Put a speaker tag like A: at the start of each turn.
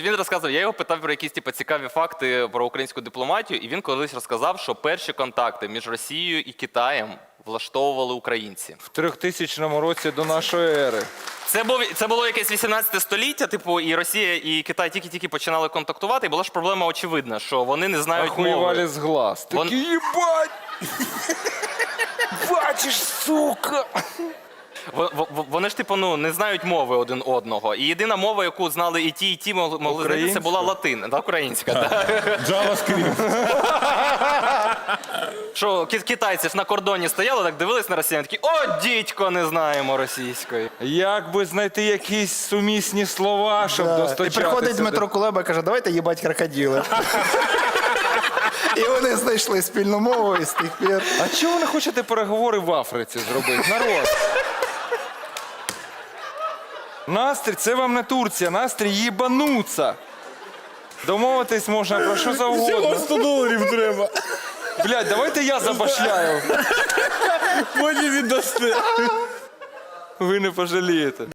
A: Він розказував, я його питав про якісь цікаві факти про українську дипломатію, і він колись розказав, що перші контакти між Росією і Китаєм влаштовували українці.
B: В 3000 році до нашої ери.
A: Це було якесь 18 століття, і Росія і Китай тільки-тільки починали контактувати, і була ж проблема очевидна, що вони не знають мови.
B: Охуєвали з глаз. Такі, їбать! Бачиш, сука!
A: Вони ж, не знають мови один одного. І єдина мова, яку знали і ті могли знайти, це була латин. Українська, так.
C: JavaScript.
A: Що китайці ж на кордоні стояли, так дивились на росіян, такі, о, дідько, не знаємо російської.
B: Як би знайти якісь сумісні слова, щоб достачатися?
D: І приходить Дмитро Кулеба і каже, давайте їбать крокодили. І вони знайшли спільну мову і з тих пір.
B: А чого ви не хочете переговори в Африці зробити? Народ. Настрій, це вам не Турція, настрій їбануться. Домовитись можна про що завгодно.
C: $100 треба.
B: Блядь, давайте я забашляю.
C: Потім віддасте.
B: Ви не пожалієте.